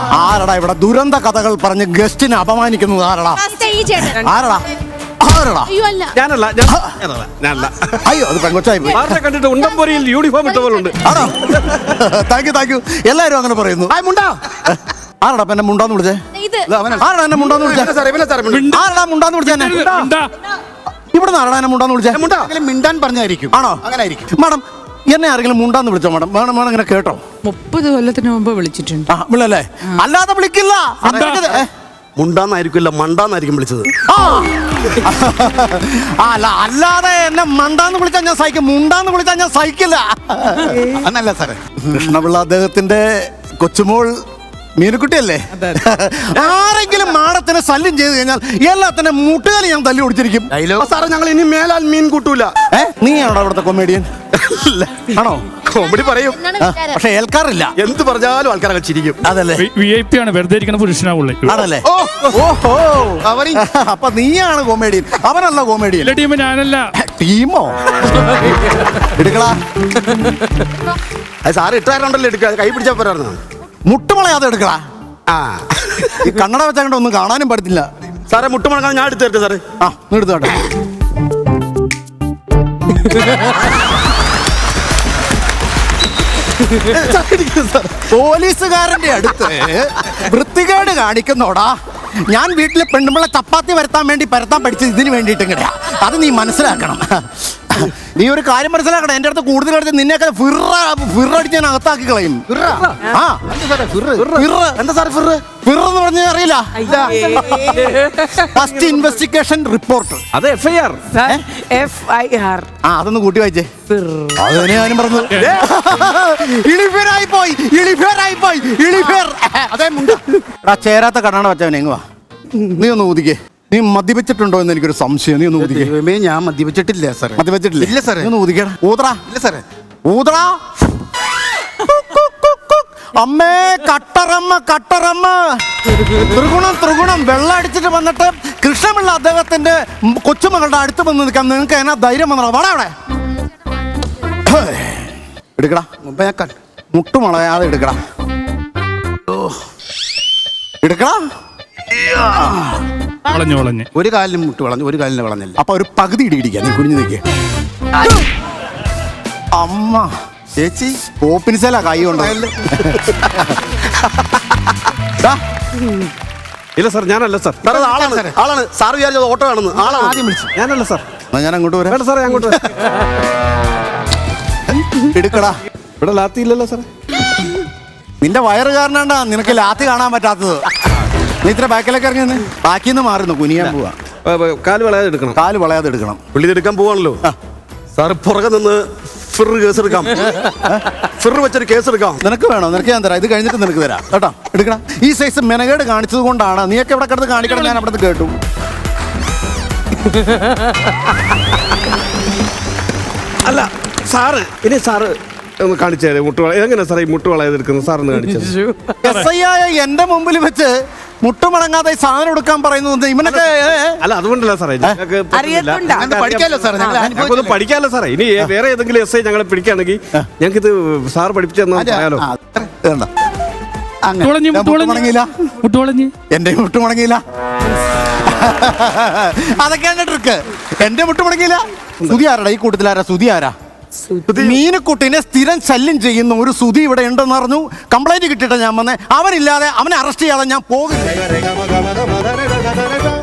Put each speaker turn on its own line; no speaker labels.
ആരടാ ഇവിടെ ദുരന്ത കഥകൾ പറഞ്ഞ് ഗസ്റ്റിനെ അപമാനിക്കുന്നത്? ആരടാ? ആരടാ? ആരടാ?
ഞാനല്ല.
അയ്യോ, അത് പെങ്കൊച്ചായി പോയി.
കണ്ടിട്ട് ഉണ്ടംപൊരിയിൽ യൂണിഫോം ഇട്ട പോലെ ഉണ്ട്.
ആണോ? Thank you. എല്ലാരും അങ്ങനെ പറയുന്നു. ആരടാ എന്നെ മുണ്ടാന്ന് വിളിച്ചേ? ആരടാ എന്നെ മുണ്ടാന്ന് വിളിച്ചേ? ആരടാ മുണ്ടാന്ന് വിളിച്ചേ? ഇവിടെ ആരടാ എന്നെ മുണ്ടാന്ന് വിളിച്ചേ?
മിണ്ടാൻ പറഞ്ഞായിരിക്കും.
ആണോ?
അങ്ങനെ ആയിരിക്കും.
മാഡം, എന്നെ ആരെങ്കിലും മുണ്ടാന്ന് വിളിച്ചോ മാഡം? വേണം ഇങ്ങനെ കേട്ടോ.
30 കൊല്ലത്തിന് മുമ്പ് വിളിച്ചിട്ടുണ്ട്.
വിളല്ലേ? അല്ലാതെ വിളിക്കില്ല.
മുണ്ടാന്നായിരിക്കില്ല, മണ്ടാന്നായിരിക്കും വിളിച്ചത്.
അല്ലാതെ എന്നെ മണ്ടാന്ന് വിളിച്ചാൽ ഞാൻ സഹിക്കും, മുണ്ടാന്ന് വിളിച്ചാൽ ഞാൻ സഹിക്കില്ല.
അന്നല്ല സാറേ,
കൃഷ്ണപിള്ള അദ്ദേഹത്തിന്റെ കൊച്ചുമോൾ മീനുക്കുട്ടിയല്ലേ? ആരെങ്കിലും മാടത്തിനെ ശല്യം ചെയ്ത് കഴിഞ്ഞാൽ എല്ലാത്തിന്റെ മുട്ടുകാലി ഞാൻ തല്ലി ഓടിച്ചിരിക്കും.
സാറേ, ഞങ്ങൾ ഇനി മേലാൽ മീൻ കൂട്ടൂല.
നീയാണോ അവിടുത്തെ കൊമേഡിയൻ? ആണോ?
കോമഡി പറയും,
പക്ഷെ ഏൽക്കാറില്ല.
എന്ത് പറഞ്ഞാലും ആൾക്കാരൊക്കെ ചിരിക്കും.
അതല്ലേ?
VIP ആണ്, വെറുതെ ഇരിക്കുന്ന പുരുഷനാവുള്ളേ.
ആണല്ലേ? ഓഹോ, അപ്പൊ നീയാണ് കൊമേഡിയൻ, അവനല്ല കൊമേഡിയൻ.
ടീം ഞാനല്ല.
ടീമോ? എടുക്കളാ.
സാറ് ഇട്ടാരുണ്ടല്ലോ, എടുക്കുക. കൈ പിടിച്ചാൽ പോരായിരുന്നു.
മുട്ടുമളയാതെ എടുക്കടാ. ഈ കണ്ണട വെച്ചാൽ ഒന്നും കാണാനും പറ്റത്തില്ല.
സാറേ, മുട്ടുമളക്കാൻ ഞാൻ എടുത്തു തരട്ടെ? സാറേ,
എടുത്തോട്ടെ. പോലീസുകാരന്റെ അടുത്ത് വൃത്തികേട് കാണിക്കുന്നോടാ. ഞാൻ വീട്ടിലെ പെണ്ണുമ്പളെ ചപ്പാത്തി പരത്താൻ പഠിച്ചത് ഇതിന് വേണ്ടിയിട്ടെങ്ങനെയാ? അത് നീ മനസ്സിലാക്കണം. നീ ഒരു കാര്യം മനസ്സിലാക്കണം, എന്റെ അടുത്ത് കൂടുതൽ അടുത്ത് നിന്നെയൊക്കെ ഫിറടിച്ച് ഞാൻ അകത്താക്കി കളയും.
എന്താ സാറേ ഫിറ്?
ഫിറെന്ന് പറഞ്ഞാൽ അറിയില്ല? First investigation report.
അത് FIR.
അതൊന്ന് കൂട്ടി വായിച്ചേ. അത് ഞാനും പറഞ്ഞു. ചേരാത്ത കണ്ണാണ് വെച്ചവനെ. എങ്ങുവാ നീ ഒന്ന് ഊതിക്കേ. നീ മദ്യപിച്ചിട്ടുണ്ടോ എന്ന് എനിക്കൊരു സംശയം. നീ ഒന്ന് ഊതിക്കേ.
ഞാൻ മദ്യപിച്ചിട്ടില്ല സാറേ.
മദ്യപിച്ചിട്ടില്ല? ഇല്ല സാറേ. ഒന്ന് ഊതിക്കടാ. ഊതറാ.
ഇല്ല സാറേ.
ഊതറാ. അമ്മേ, കട്ടറമ്മ. ത്രിഗുണം വെള്ളം അടിച്ചിട്ട് വന്നിട്ട് കൃഷ്ണപിള്ള അദ്ദേഹത്തിന്റെ കൊച്ചുമകളുടെ അടുത്ത് വന്ന് നിൽക്കാൻ നിങ്ങൾക്ക് എന്നാ ധൈര്യം വന്നോ? വാടാ അവിടെ. എടുക്കടാ. മുട്ടുമളയാതെ എടുക്കടാ. എടുക്കടാ.
ഒരു കാലിനും മുട്ട് വളഞ്ഞു, ഒരു കാലിന് വളഞ്ഞില്ല.
അപ്പൊ ഒരു പകുതി ഇടിക്കാം. നീ കുഞ്ഞു നിൽക്കേ. അമ്മ ചേച്ചി ഓപ്പിനിസല കൈ കൊണ്ടോ?
ഇല്ല സാർ, ഞാനല്ല സാർ. ആളാണ് സാർ വിചാരിച്ചത് ഓട്ടോ ആണെന്ന്. ആളാണ് ആദ്യം വിളിച്ചു. ഞാനല്ല സാർ.
ഞാൻ അങ്ങോട്ട് വരാം.
വേണ്ട സാറേ, അങ്ങോട്ട്
എടുക്കടാ.
ഇവിടെ ലാത്തി ഇല്ലല്ലോ സാറേ.
നിന്റെ വയറ് കാരണാണ്ടാ നിനക്ക് ലാത്തി കാണാൻ പറ്റാത്തത്. നീ ഇത്ര ബാക്കിലേക്ക് ഇറങ്ങി ബാക്കിന്ന് മാറുന്നു. കുനിയാൻ പോവാ.
കാല് വളയാതെ എടുക്കണം.
കാല് വളയാതെ എടുക്കണം.
പുള്ളി എടുക്കാൻ പോവാണല്ലോ സാറ്. പുറകെ നിന്ന് കേസ് എടുക്കാം. വെച്ചൊരു കേസ് എടുക്കാം.
നിനക്ക് വേണോ? നിനക്ക് ഞാൻ തരാം. ഇത് കഴിഞ്ഞിട്ട് നിനക്ക് തരാം കേട്ടോ. എടുക്കണം. ഈ സൈസ് മെനകേട് കാണിച്ചത് കൊണ്ടാണ്. നീയൊക്കെ ഇവിടെ കിടന്ന് കാണിക്കണം. ഞാൻ അവിടെ കേട്ടു.
അല്ല സാറ്, ഇനി സാറ് ഒന്ന് കാണിച്ചേ മുട്ടുവള. എങ്ങനെ സാറേ ഈ മുട്ടുവളയത് എടുക്കുന്നത്? സാറൊന്ന് കാണിച്ചത്.
SI ആയ എന്റെ മുമ്പിൽ വെച്ച് മുട്ടുമടങ്ങാതെ സാധനം എടുക്കാൻ പറയുന്നത് ഇവനൊക്കെ.
അല്ല, അതുകൊണ്ടല്ല സാറേ.
പഠിക്കാലോ സാറേ.
ഞങ്ങൾക്കൊന്നും പഠിക്കാമല്ലോ സാറേ. ഇനി വേറെ ഏതെങ്കിലും SI ഞങ്ങളെ പിടിക്കുകയാണെങ്കിൽ ഞങ്ങൾക്ക് ഇത് സാർ പഠിപ്പിച്ചു തന്നാലോ?
എന്റെ മുട്ട് മുടങ്ങിയില്ല. അതൊക്കെയാണ് ട്രിക്ക്. എന്റെ മുട്ട് മുടങ്ങിയില്ല. സുധി ആരാടാ ഈ കൂട്ടത്തിലാരാ? സുധി ആരാ? മീനുക്കുട്ടിനെ സ്ഥിരം ശല്യം ചെയ്യുന്ന ഒരു സുധി ഇവിടെ ഉണ്ടെന്ന് പറഞ്ഞു. കംപ്ലൈന്റ് കിട്ടിയിട്ട് ഞാൻ വന്നേ. അവനില്ലാതെ, അവനെ അറസ്റ്റ് ചെയ്യാതെ ഞാൻ പോകില്ല.